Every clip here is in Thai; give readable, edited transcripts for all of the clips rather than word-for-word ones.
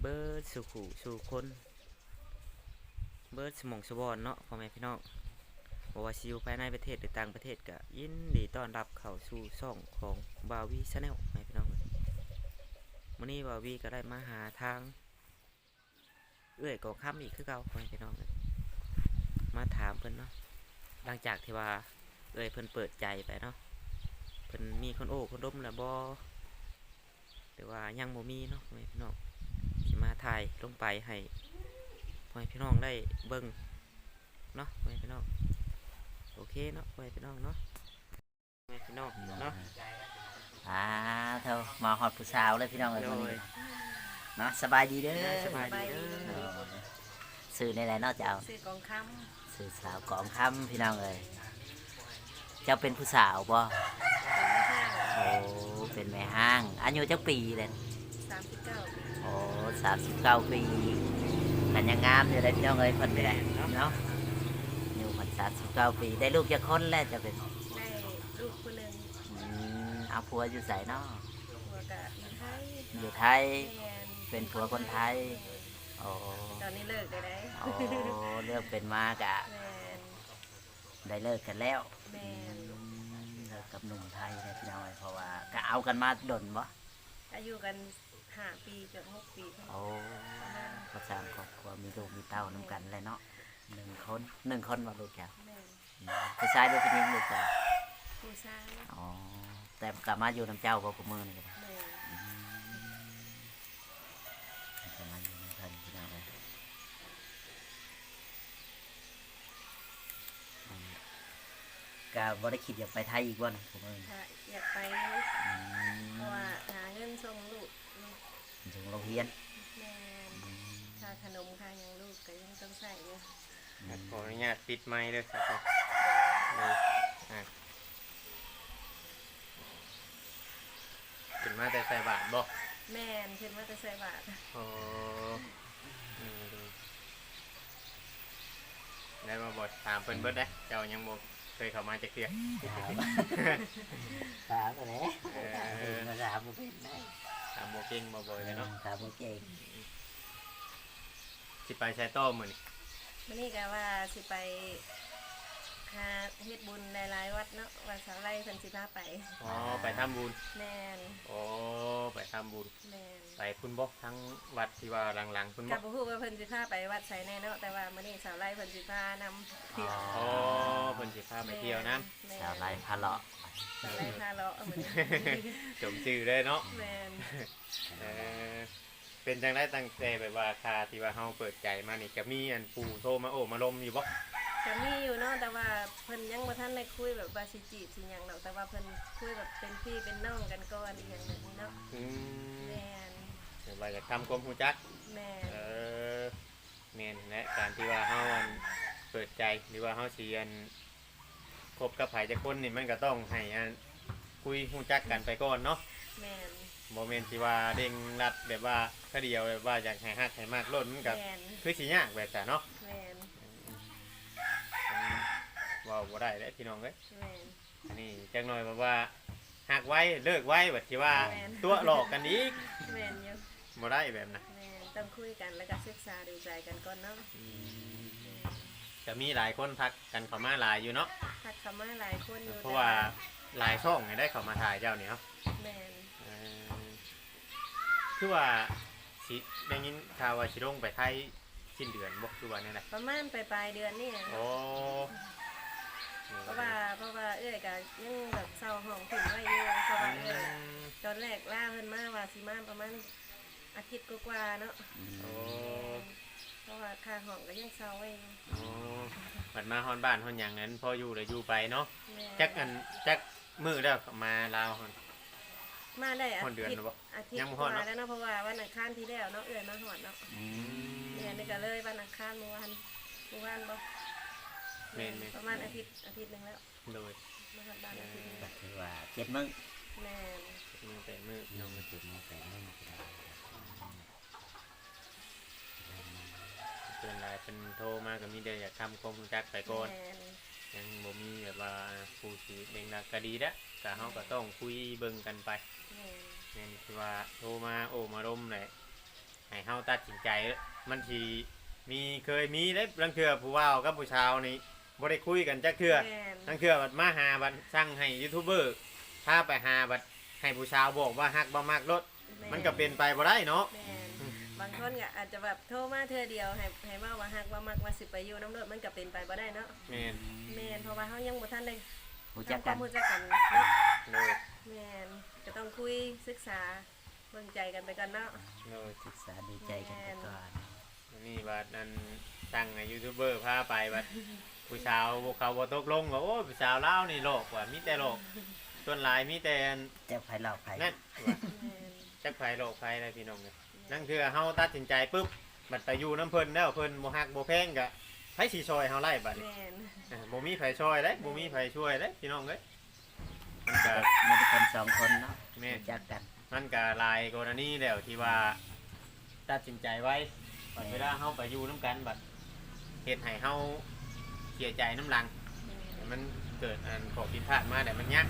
บิดสู่ขู่สู่คนเบิดสมองสวอนเนาะพ่อแม่พี่น้องบอกว่าสิอยู่ภายในประเทศหรือต่างประเทศก็ยินดีต้อนรับเข้าสู่ช่องของบาวีชาแนลพ่อแม่พี่น้องมื้อนี้บาวีก็ได้มาหาทางกองค่ำอีกคือเก่าพ่อแม่พี่น้องมาถามเพิ่นเนาะหลังจากที่ว่าเพิ่นเปิดใจไปเนาะเพิ่นมีคนโอ้คนดมแล้วบ่หรือว่ายังบ่มีเนาะพ่อแม่พี่น้องสิมาถ่ายลงไปให้พ่อแม่พี่น้องได้เบิ่งเนาะพ่อแม่พี่น้องโอเคเนาะพ่อแม่พี่น้องเนาะพ่อแม่พี่น้องเนาะเท่ามาฮอดผู้สาวเลยพี่น้องเอ้ยโดมื้อนี้ยเนาะสบายดีเด้อสบายดีเด้อสื่อในไหนเนาะเจ้าซื้อกองคสื่อสาวกองคำพี่น้องเอ้ยเจ้าเป็นผู้สาวบ่ำเป็นห้างโอ้เป็นแม่ห้างอายุจักปีเลย 39 ปีโอ้39 ปีกันยังงามอยู่เลยพี่น้องเอ้ยเพิ่นไปได้เนาะอยู่เพิ่น39 ปีได้ลูกจักคนแล้วจะเป็นได้ลูกคนหนึ่งเอาผัวอยู่ไสเนาะหัวกะอยู่ไทยอยู่ไทยแมนเป็นผัวคนไทย โอ้ตอนนี้เลิกได้ได้โอ้เลือกเป็นมากะแมนได้เลิกกันแล้วแมนเลิกกับหนุ่มไทยเลยพี่น้องเอ้ยเพราะว่าก็เอากันมาดนบ่อายุกัน5 ปีจน6 ปีประโอ้มาณก็สร้างครอบครัวมีลูกมีเต้านํกันเลยเนาะหนึ่งคนว่าลูกแก้วแมนผู้ชายหรือผู้หญิงลูกแก้วผู้ชายอ๋อแต่กลับมาอยู่น้ำเจ้าบ่กูมือนี่ก็ได้แมนกลับมาอยู่น้ำเพิ่นพี่น้องเอ้ยก็บ่ได้คิดอยากไปไทยอีกบ่นะกูมือถ้าอยากไปเพราะว่าหาเงินส่งลูกถึงโรงเรียนแมนค่าขนมค่าหยังลูกก็ยังต้องใส่อยู่ขออนุญาตปิดไมค์ด้วยครับขึ้นมาแต่ใส่บาทบ่แมนคิดว่าจะใส่บาทอ๋อได้มาบทถามเพิ่นเบิดได้เจ้ายังบ่เคยเข้ามาจักเทื่อถามอะไร มาถามบ่เป็นได้ถามบ่เก่งบ่บ่เลยเนาะถามบ่เก่งสิไปใช้ต้อมื้อนี้วันนี้ก็ว่าสิไปหาเฮ็ดบุญหลายๆวัดเนาะวัดสาวไร่เพิ่นสิพาไปอ๋อไปทำบุญแมนอ๋อไปทำบุญแมนไปคุณบ่ทั้งวัดที่ว่าหลังๆคุณกับ่บบ่ฮู้ว่าเพิ่นสิพาไปวัดไสแน่เนาะแต่ว่ามื้อนี้สาวไร่เพิ่นสิพานำเที่ยวอ๋อเพิ่นสิพาไปเที่ยวนะแม่นชาวไร่พาเลาะสาวไร่พาเลาะมื้อนี้จมชื่อเลยเนาะแม่นเออเป็นจังได้ตั้งแต่แบบว่าคาที่ว่าเฮาเปิดใจมานี่ก็มีอันปู่โทรมาโอ้มาลมอยู่บ่ก็มีอยู่เนาะแต่ว่าเพิ่นยังบ่ทันได้คุยแบบว่าสิจีบสิหยังดอกแต่ว่าเพิ่นคุยแบบเป็นพี่เป็นน้องกันก่อนอีหยังแบบนี้เนาะอืมแม่นเดี๋ยวว่าจะทำความรู้จักแม่นเออแม่นและการที่ว่าเฮาอันเปิดใจหรือว่าเฮาสิอันคบกับไผจักคนนี่มันก็ต้องให้อันคุยรู้จักกันไปก่อนเนาะแม่นบ่แม่นสิว่าเด้งรัดแบบว่าแค่เดียวแบบว่าอยากให้ฮักให้มากล้นมันก็แม่นคือสิยากแบบจ้ะเนาะแม่นเว้าบ่ได้เด้อพี่น้องเอ้ยแม่นอันนี้จังหน่อยแบบว่าหักไว้เลิกไว้แบบที่ว่าแม่นตัวหลอกกันอีกแม่นอยู่บ่ได้แบบนะแม่นต้องคุยกันแล้วก็ศึกษาดูใจกันก่อนเนาะจะมีหลายคนทักกันเข้ามาหลายอยู่เนาะทักเข้ามาหลายคนอยู่เพราะว่าหลายช่องเนี่ยได้เข้ามาถ่ายเจ้าเนี่ยเนาะแม่นเออคือว่าสิได้ยินข่าวว่าสิลงไปไทยสิ้นเดือนบ่คือว่าแนี่แหละประมาณปลายๆเดือนนี่นะโอ้เพราะว่าเอ้ยก็ยังแบบเศร้าห้องถึงไว้อยู่เพราะว่าเอ้ยตอนแรกล่าเพิ่นมาว่าสิมาประมาณอาทิตย์กว่าๆเนาะโอ้เพราะว่าค่าห้องก็ยังเศร้าไว้อยู่โอ้บัดมาฮอนบ้านฮอนหยังนั้นพออยู่เลยอยู่ไปเนาะแม่จักมือแล้วมาลาวฮอนมาได้อาฮอดเดือนทิตแล้วย์บ่อาทิตยังย์บ่กฮอดว่าเนาะแล้วเนาะเพราะว่าวันอังคารที่แล้วเนาะเอ้ยมาหอดเนาะเดือนนี้ก็เลยวันอังคารเมื่อวานบ่แม่นประมาณอาทิตย์หนึงแล้วโดยมาหอดบ้านอาทิตย์หนึงก็คือว่า7 มื้อแม่นมือแต่มือน้องมา7 มื้อ8 มื้อก็ได้เป็นไรเป็นโทรมาก็มีแต่อยากทำความรู้จักไปก่อนแม่นยังบ่มีแบบว่าผู้สิเด้งดักก็ดีแล้วแต่เฮาก็ต้องคุยเบิ่งกันไปแม่นแม่นที่ว่าโทรมาโอ้มาร่มแหละให้เฮาฮาตัดสินใจมันสิเคยมีได้บางเทื่อผู้ว่าวกับผู้ชาวนี่บ่ได้คุยกันจักเทื่อแม่นบางเทื่อบัดมาหาบัดสั่งให้ยูทูบเบอร์พาไปหาบัดให้ผู้ชาวบอกว่าฮักบ่มักรถมันก็เป็นไปบ่ได้เนาะแม่นบางคนก็อาจจะแบบโทรมาเทื่อเดียวให้เว้าว่าฮักว่ามักว่าสิไปอยู่น้ำรถมันก็เป็นไปบ่ได้เนาะแม่นแม่นเพราะว่าเฮายังบ่ทันได้รู้จักทำคกัวามนรู้จักกันเนาะโดยแม่นก็ต้องคุยศึกษาเบิ่งใจกันไปก่อนเนาะโดยศึกษาดูใจกันไปก่อนนี่บัดนั้นสั่งให้ยูทูบเบอร์พาไปบัดผู้ชาวพวกเขาบ่ตกลงว่าโอ้ผู้ชาวลาวนี่โลกว่ามีแต่โลกส่วนหลายมีแต่จะไผหลอกไผนั่นว่าแม่นจักไผโลกไผอะไรพี่น้องเนี่ยนั่นคือเฮาตัดสินใจปุ๊บบัดไปอยู่น้ำเพิ่นแล้วเพิ่นบ่ฮักบ่แพงก็ไผสิช่วยเฮาไล่บัดนี้แม่นบ่มีไผช่วยเด้บ่มีไผช่วยเด้พี่น้องเอ้ยมันก็มีแต่คนสองคนเนาะแม่รู้จักกันมันก็หลายกรณีแล้วที่ว่าตัดสินใจไว้บัดเวลาเฮาไปอยู่น้ำกันบัดเฮ็ดให้เฮาเสียใจน้ำหลัง มันเกิดอันขอผิดพลาดมาแต่มันยาก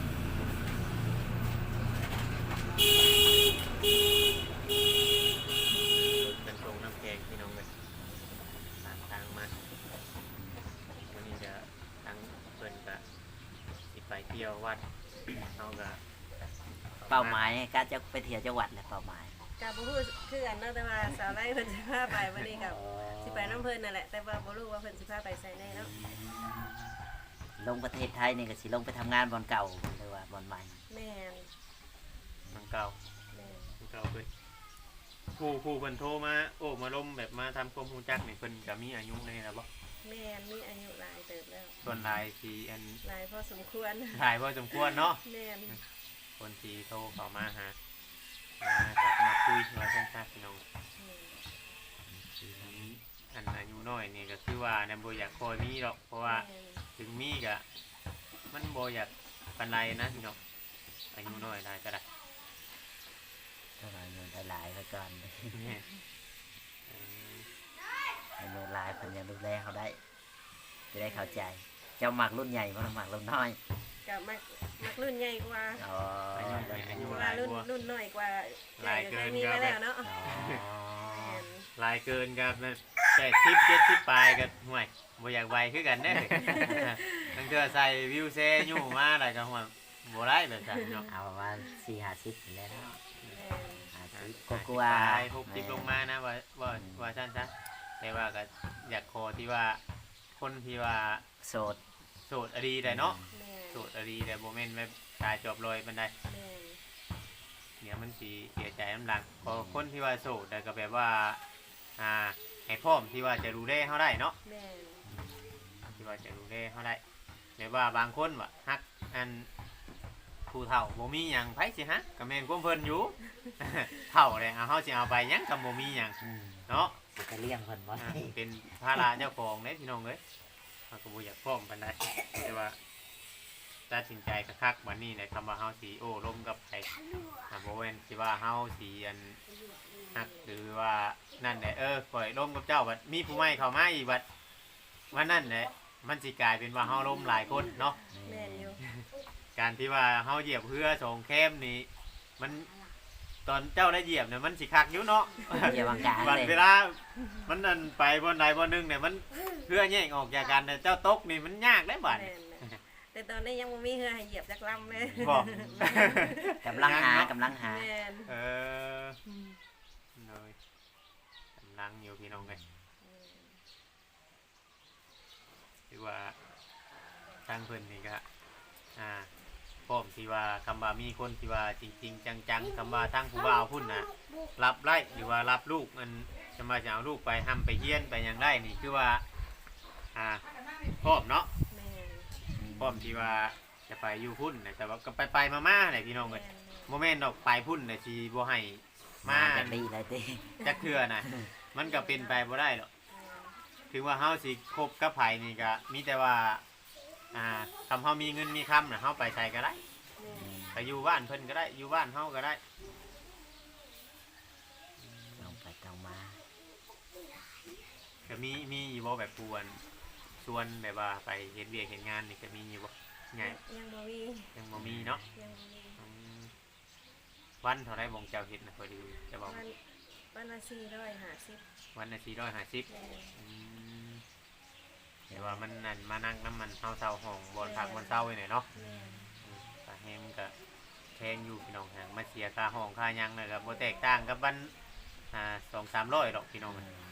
เป็นตรงน้ำแกงพี่น้องเลยตามทางมาวันนี้จะทั้งเพิ่นก็สิไปเที่ยววัดเขาก็เป้าหมายการจะไปเที่ยวจังหวัดแหละเป้าหมายก็บ่ฮู้คือกันเนาะแต่ว่าสาวไร่เพิ่นสิพาไปวันนี้ก็สิไปน้ำเพิ่นนั่นแหละแต่ว่าบ่รู้ว่าเพิ่นสิพาไปไสแน่เนาะลงประเทศไทยนี่ก็สิลงไปทำงานบอนเก่าหรือว่าบอนใหม่แม่นมันเก่าแม่นมันเก่าเพิ่นผู้เพิ่นโทรมาโอ้มาล้มแบบมาทำความรู้จักนี่เพิ่นก็มีอายุในนะบ่แม่นมีอายุหลายเติบแล้วส่วนหลายที่อันหลายพอสมควรหลายพอสมควรเนาะแม่นคนที่โทรเข้ามาหาจับมาคุยมาสั้นๆพี่น้องอันอายุน้อยนี่ก็คือว่าในบ่อยากคอยมีหรอกเพราะว่าแม่นถึงมีก็มันบ่อยากปานใดนะพี่น้องอายุน้อยได้ก็ได้เท่าไหร่เงินหลายๆไปก่อนเนี่ยเอออายุหลายเพิ่นยังดูแลเขาได้ จะได้เข้าใจ เจ้าหมักรุ่นใหญ่บ่หมักรุ่นน้อยก็มักรุ่นใหญ่กว่าอ๋ออายุน้อยอายุเพราะหว่าลายรุ่นกว่ารุ่นน้อยกว่าหลายเกินมีก็มาแบแล้วบเนาะอ๋อแม่นหลายเกินกับ80 70ปลายก็ห่วยบ่อยากไวคือกันเด้อ ตั้งแต่ใส่วิวเซยู่มาได้ก็ห่วยบ่ได้แบบนั้นเนาะเอาประมาณ4-50แล้วเนาะแม่น 50กลัวตาย60ลงมานะว่าซั่นซะแต่ว่าก็อยากขอที่ว่าคนที่ว่าโสดโสดอดีได้เนาะแม่นโสดอดีแต่โมเมนต์แบบตายจบลอยมันได้แม่นเดี๋ยวมันสีเสียใจน้ำหลังพอคนที่ว่าโสดแต่ก็แบบว่าให้พร้อมที่ว่าจะดูแลเขาได้เนาะแม่นที่ว่าจะดูแลเขาได้แบบว่าบางคนว่าฮักอันผู้เฒ่าบ่มีหยังไผสิฮะก็แม่นความเพิ่นอยู่ เฒ่าเลยเอาเฮาสิเอาไปหยังก็บ่มีหยังอืมเนาะสิไปเลี้ยงเพิ่นบ่เป็นภาระเจ้าของเด้พี่น้องเอ้ยเฮาก็บ่อยากพร้อมปานใดแต่ว่าตัดสินใจคักๆวันนี้ในคำว่าเฮาสิโอ้ร่มกับไผบ่แม่นสิว่าเฮาสิอันฮักหรือว่านั่นแหละปล่อยร่มกับเจ้าบัดมีผู้ใหม่เข้ามาอีกบัดว่านั่นแหละมันสิกลายเป็นว่าเฮาร่มหลายคนเนาะแม่นอยู่การที่ว่าเฮาเหยียบเพื่อสองแคมนี่มันตอนเจ้าได้เหยียบเนี่ยมันสิคักอยู่เนาะอย่าวางกลางวันเลยเวลามันนั่นไปบนใดบนหนึ่งเนี่ยมันเพื่อแย่งออกจากกันแต่เจ้าตกนี่มันยากได้บัดแม่นนะแต่ตอนนี้ยังบ่มีเฮือให้เหยียบจักลำเลยบอกกำลังหากำลังหาแม่นเออเลยกำลังอยู่พี่น้องเลยคือว่าทางเพิ่นนี่ก็พร้อมที่ว่าคำว่ามีคนที่ว่าจริงๆจังๆคำว่าทั้งผู้บ่าวพุ่นนะรับไล่หรือว่ารับลูกมันจะมาจะเอาลูกไปทำไปเฮียนไปหยังได้นี่คือว่าพร้อมเนาะแม่นพร้อมที่ว่าจะไปอยู่พุ่นนะแต่ว่าก็ไปมาๆเลยพี่น้องเลยแม่นโมเมนต์ดอกไปพุ่นนะชีบ่ให้มามาจากดีเลยติจักเทื่อนะมันก็เป็นไปบ่ได้หรอกถึงว่าเฮาสิคบกับไผนี่ก็มีแต่ว่าคำเฮามีเงินมีคำนะเฮาไปใส่ก็ได้แม่นไปอยู่บ้านเพิ่นก็ได้อยู่บ้านเฮาก็ได้ต้องไปต้องมาก็มีอยู่บ่แบบปวนชวนแบบว่าไปเฮ็ดเวียกเฮ็ดงานนี่ก็มีอยู่บ่ไงยังบ่มียังบ่มีเนาะยังบ่มีอืมวันเท่าไรบ่งเจ้าเฮ็ดนะพอดีจะบอกวันปวันละ450 วันละ450 แม่นเดี๋ยวว่ามันนั่นมานั่งน้ำมันเฮาเซาห้องบนพักบนเซาไว้หน่อยเนาะแม่นสาแฮมก็แพงอยู่พี่น้องหางมาเสียค่าห้องค่าหยังเลยครับบ่แตกต่างกับบ้าน200-300ดอกพี่น้อง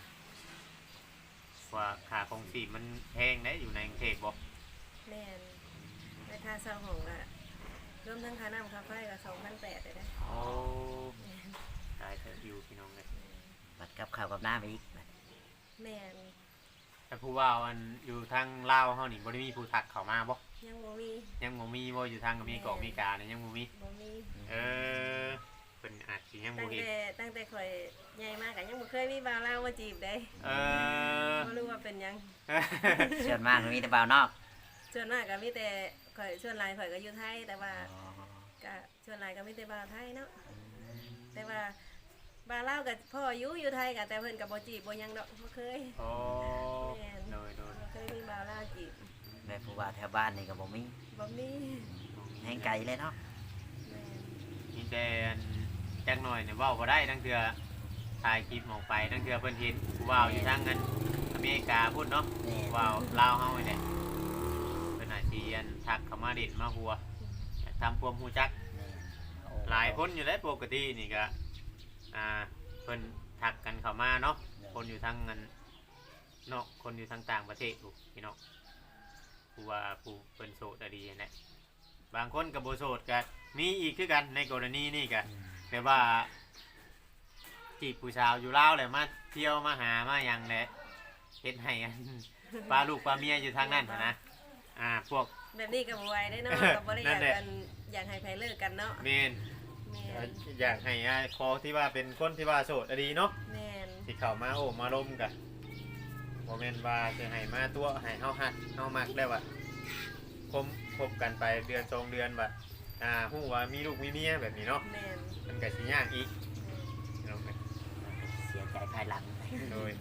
ว่าค่าของชีพมันแพงได้อยู่ในกรุงเทพบ่แม่นแต่ค่าเช่าห้องก็รวมทั้งค่าน้ำค่าไฟก็2,800เลยนะโอ้ตายเถอะอยู่พี่น้องเลยบัดกับข้าวกับน้ำอีกบัดแม่นแต่ผู้ว่าอันอยู่ทางลาวเฮานี่บ่ได้มีผู้ทักเข้ามาบ่ยังบ่มียังบ่มีบ่อยู่ทางอเมริกาอเมริกาเนี่ยยังบ่มีบ่มีเออเพิ่นอาจสิยังบ่ตั้งเห็นแต่ตั้งแต่ข่อยใหญ่มากก็ยังบ่เคยมีบ่าวลาวมาจีบได้เออบ่รู้ว่าเป็นหยังส่วนมากมีแต่บ่าวนอกส่วนมากก็มีแต่ข่อยส่วนหลายข่อยก็อยู่ไทยแต่ว่าอ๋อก็ส่วนหลายก็มีแต่บ่าวไทยเนาะแต่ว่าบ่าวลาวก็พ่ออยู่ไทยก็แต่เพิ่นก็บ่จีบบ่หยังดอกบ่เคยโอ้แม่นโดยบ่เคยมีบ่าวลาวจีบแต่ผู้ว่าแถวบ้านนี่ก็บ่มีบ่มีแห่งไกลเลยเนาะแม่นมีแต่อันจักหน่อยเนี่ยเว้าบ่ได้ทั้งเทื่อถ่ายคลิปออกไปทั้งเทื่อเพิ่นเห็นผู้ว่าวอยู่ทางนั้นอเมริกาพุ่นเนาะแม่ผู้ว่าวลาวเฮาเนี่ยเพิ่นอาจสิอันทักเข้ามาเด็ดมาหัวอยากทำความรู้จักแม่โอ้หลายคนอยู่แล้วปกตินี่ก็เพิ่นทักกันเข้ามาเนาะคนอยู่ทางนั้นเนาะคนอยู่ทางต่างประเทศถูกพี่น้องผู้ว่าผู้เพิ่นโสดอะดีนั่นแหละบางคนก็บ่โสดก็มีอีกคือกันในกรณีนี้ก็อืมแต่ว่าจีบผู้สาวอยู่ลาวแหละมาเที่ยวมาหามาหยังแหละเฮ็ดให้อัน ปลาลูกปลาเมียอยู่ทางนั้นหั้นนะพวกแบบนี้ก็บ่ไหวได้เนาะก็บ่ได้อยากกันอยากให้ไผเลิกกันเนาะเมนแม่นอยากให้คอที่ว่าเป็นคนที่ว่าโสดอะดีเนาะแม่นที่เข้ามาโอ้มาล้มกันบ่แม่นว่าจะให้มาตัวให้เฮาฮักเฮามักแล้วว่าคบกันไปเดือน2เดือนว่าฮู้ว่ามีลูกมีเมียแบบนี้เนาะแม่นมันก็สิยากอีกเนาะเสียใจภายหลังโดย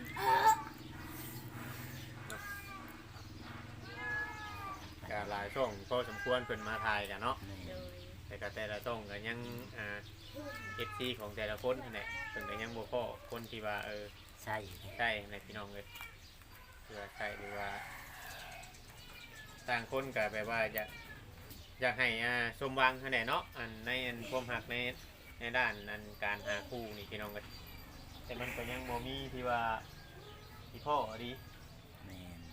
ก็หลายช่องพอสมควรเพิ่นมาถ่ายกันเนาะแม่โดยแต่ก็แต่ละช่องก็ยังFC ของแต่ละคนนั่นแหละเพิ่นก็ยังบ่พอคนที่ว่าใช่ใช่ในพี่น้องเลยหรือว่าใช่หรือว่าต่างคนก็แบบว่าอยากให้สมหวังนั่นแหละเนาะอันในอันความหักในด้านอันการหาคู่นี่พี่น้องก็แต่มันก็ยังบ่มีที่ว่าที่พ่อดีแม่น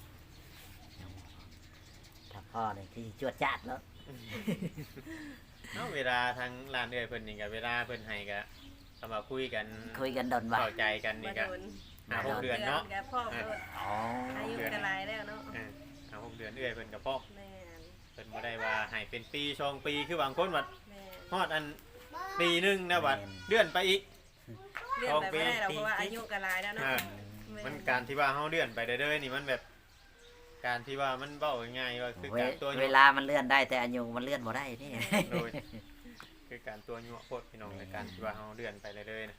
ถ้าพ่อนี่ที่จวดจ้าดแล้วเนาะเวลาทางร้านเอื้อยเพิ่นนี่ก็เวลาเพิ่นให้ก็คำว่าคุยกันคุยกันดนว่าเข้าใจกันนี่มาก็โดน 5-6 เดือนเนาะกับพ่อโดนอ๋ออายุก็หลายแล้วเนาะ 5-6 เดือนเอื้อยเพิ่นก็พอแม่นเพิ่นบ่ได้ว่าให้เป็นปี2ปีคือบางคนว่าแม่นฮอดอันปีหนึงนะว่าเลื่อนไปอีกเลื่อนไปไม่ได้หรอกเพราะว่าอายุก็หลายแล้วเนาะอ่า มันการที่ว่าเฮาเลื่อนไปเรื่อยๆนี่มันแบบ การที่ว่ามันเบ้าง่ายๆว่าคือการตัวเวลามันเลื่อนได้แต่อายุมันเลื่อนบ่ได้นี่โดยคือการตัวยั่วโคตรพี่น้องในการที่ว่าเฮาเลื่อนไปเรื่อยๆนะ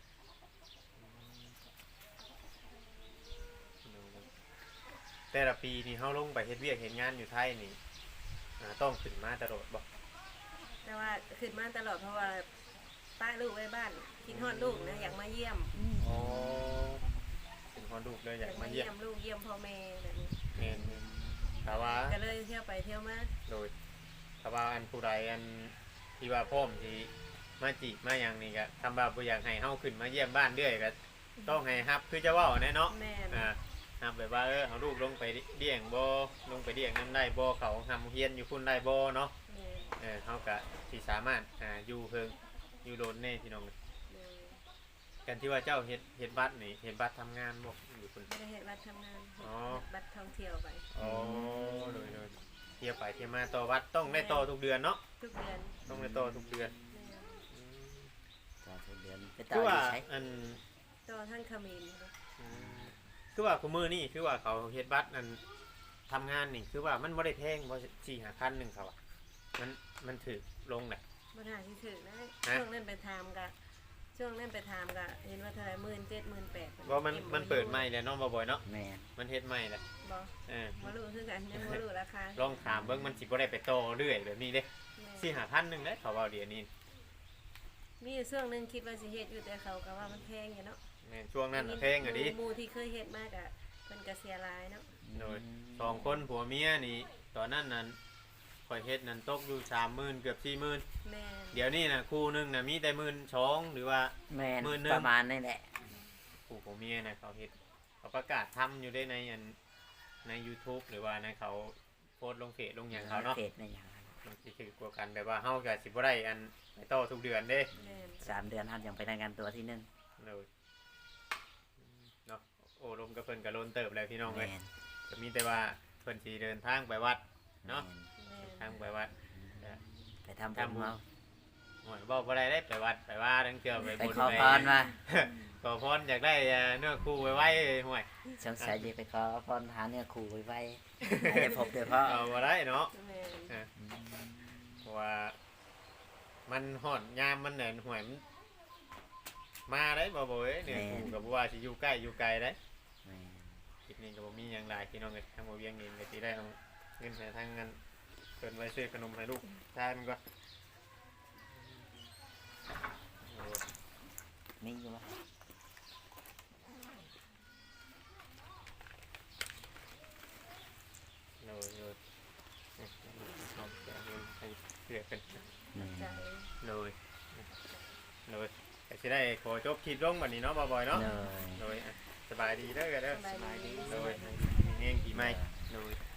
แต่ละปีนี่เฮาลงไปเฮ็ดเวียกเฮ็ดงานอยู่ไทยนี่ต้องขึ้นมาตลอดบ่แต่ว่าขึ้นมาตลอดเพราะว่าป้าลูกไว้บ้านคิดฮอดลูกนะอยากมาเยี่ยมอ๋อเป็นคนลูกเลยอยากมาเยี่ยมลูกเยี่ยมพ่อแม่แบบนี้แม่นแต่ว่าก็เลยเที่ยวไปเที่ยวมาโดยถ้าว่าอันผู้ใดอันที่ว่าพ่อมที่มาจีบมาอย่างนี้ก็คำว่าบ่อยากให้เฮาขึ้นมาเยี่ยมบ้านเรื่อยก็ต้องให้ฮับคือจะเว้าแน่เนาะแม่นฮับแบบว่าเอาลูกลงไปเลี้ยงบ่ลงไปเลี้ยงนำได้บ่เขาทำเฮียนอยู่พุ่นได้บ่เนาะแม่นเฮาก็สิสามารถอยู่เพิ่งอยู่โดนแน่พี่น้องแม่นกันที่ว่าเจ้าเฮ็ดบัตรนี่เฮ็ดบัตรทำงานบ่อยู่พุ่นไม่ได้เห็นบัตรทำงานอ๋อบัตรท่องเที่ยวไปอ๋อโดยเที่ยวไปเที่ยวมาต่อวัดต้องได้ต่อทุกเดือนเนาะทุกเดือนต้องได้ต่อทุกเดือนแม่นต่อทุกเดือนไปต่อคือว่าอยู่ใช้อันต่อท่านขมิ้นนะคือว่าคุมือนี่คือว่าเขาเฮ็ดบัตรนั่นทำงานนี่คือว่ามันบ่ได้แพงบ่4-5,000นึงเขาอ่ะมันถือลงแหละปัญหาที่ถึงนะฮะช่วงนั้นไปทำกะช่วงนั้นไปทำกะเห็นว่าเท่าไหร่17,000-18,000 ว่ามันเปิดใหม่แล้วเนาะบ่อยๆเนาะแม่นมันเฮ็ดใหม่แล้วบ่เออมารู้คือกันยังมารู้ราคาลองถามเบิ่งมันสิบ่ได้ไปต่อเรื่อยแบบนี้เด้แม่ 4-5,000นึงเด้เขาว่าเดี๋ยวนี้มีอยู่ช่วงหนึงคิดว่าสิเฮ็ดอยู่แต่เขาก็ว่ามันแพงอยู่เนาะแม่นช่วงนั้นน่ะเพลงอ่ะดิหมู่ที่เคยเฮ็ดมากอ่ะเพิ่นก็เสียหลายเนาะโดยสองคนผัวเมียนี่ตอนนั้นนั้นข่อยเฮ็ดนั้นตกอยู่30,000เกือบ40,000 แม่นเดี๋ยวนี้น่ะคู่หนึงน่ะมีแต่12,000หรือว่าแม่นมื้อหนึ่งประมาณนี่แหละผู้ผัวเมียน่ะเขาเฮ็ดเขาประกาศทำอยู่ได้ในอันใน YouTube หรือว่าในเขาโพสต์ลงเฟซลงหยังเขาเนาะเขตในอย่างนั้นมันสิถือกว่ากันแบบว่าเฮาก็สิบ่ได้อันไปต่อทุกเดือนเด้แม่น 3 เดือนท่านยังไปรายงานตัวที่หนึงเลยเนาะโอ้ลมกับเพิ่นก็ล้นเติบแล้วพี่น้องเอ้ยแม่นก็มีแต่ว่าเพิ่นสิเดินทางไปวัด เนาะแม่นทางไปวัดไปทำบุญเมาโอ้ยบอกบ่ได้ได้ไปวัดไปว่าทั้งเทื่อไปไปบุญขอพรมาขอพรอยากได้เนื้อคู่ไว้ไว้ห่วยสงสัยจะไปขอพรหาเนื้อคู่ไว้ให้ได้พบเดี๋ยวพ่อเอาบ่ได้เนาะแม่นเพราะว่ามันฮอดยามมันแหน่นห่วยมันมาได้บ่บ่เอ้ยเนื้อคู่ก็บ่ว่าสิอยู่ใกล้อยู่ไกลได้แม่นคลิปนี้ก็บ่มีหยังหลายพี่น้องเอ้ยทางบ่เวียงเองก็สิได้เอาเงินให้ทางนั้นเพิ่นไว้ซื้อขนมให้ลูกชายมันก็มีอยู่วะโน้ยโน้ยชอบแกเงินให้เพื่อกันแม่นใจโน้ยโน้ยก็สิได้ขอจบคลิปลงบัดนี้เนาะบ่บ่อยเนาะเลยโน้ยสบายดีเด้อเด้อสบายดีโน้ยมีเงี้ยงกี่ไม้โน้ย